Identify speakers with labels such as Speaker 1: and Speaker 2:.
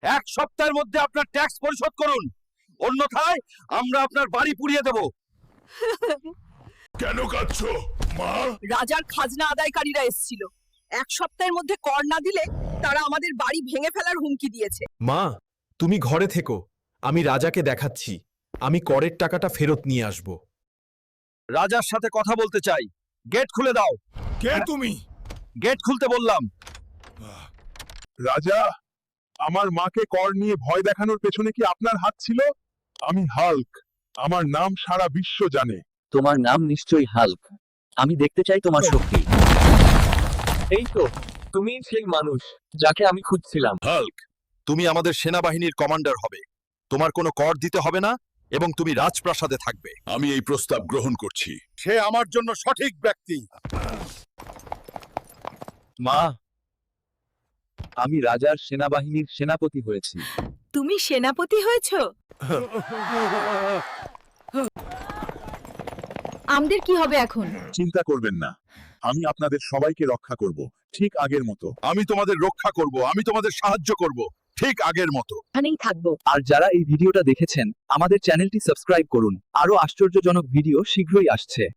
Speaker 1: এক সপ্তাহের মধ্যে আপনার ট্যাক্স পরিশোধ করুন, অন্যথায় আমরা আপনার বাড়ি পুড়িয়ে দেব।
Speaker 2: কেন কাঁদছো মা?
Speaker 3: রাজার খাজনা আদায়কারীরা এসেছিল, এক সপ্তাহের মধ্যে কর না দিলে তারা আমাদের বাড়ি ভেঙে ফেলার হুমকি দিয়েছে।
Speaker 4: মা, তুমি ঘরে থেকো, আমি রাজাকে দেখাচ্ছি। আমি করের টাকাটা ফেরত নিয়ে আসব।
Speaker 1: রাজার সাথে কথা বলতে চাই, গেট খুলে দাও।
Speaker 2: কে তুমি?
Speaker 1: গেট খুলতে বললাম।
Speaker 2: রাজা, আমার মাকে কর নিয়ে ভয় দেখানোর পেছনে কি আপনার হাত ছিল? আমি হাল্ক, আমার নাম সারা বিশ্ব জানে।
Speaker 5: তোমার নাম নিশ্চয়ই হাল্ক। আমি দেখতে চাই তোমার শক্তি। এই তো, তুমি সেই মানুষ যাকে আমি খুঁজছিলাম।
Speaker 1: হাল্ক, তুমি আমাদের সেনাবাহিনীর কমান্ডার হবে। তোমার কোনো কর দিতে হবে না এবং তুমি রাজপ্রাসাদে থাকবে।
Speaker 2: আমি এই প্রস্তাব গ্রহণ করছি।
Speaker 1: সে আমার জন্য সঠিক ব্যক্তি।
Speaker 5: মা, আমি রাজার সেনাবাহিনীর সেনাপতি হয়েছি।
Speaker 3: তুমি সেনাপতি হয়েছো? আমাদের কি হবে এখন?
Speaker 2: চিন্তা করবেন না, আমি আপনাদের সবাইকে রক্ষা করব, ঠিক আগের মতো।
Speaker 1: আমি তোমাদের রক্ষা করব, আমি তোমাদের সাহায্য করব, ঠিক আগের মতো।
Speaker 3: এখানেই থাকবো।
Speaker 5: আর যারা এই ভিডিওটা দেখেছেন, আমাদের চ্যানেলটি সাবস্ক্রাইব করুন। আরো আশ্চর্যজনক ভিডিও শীঘ্রই আসছে।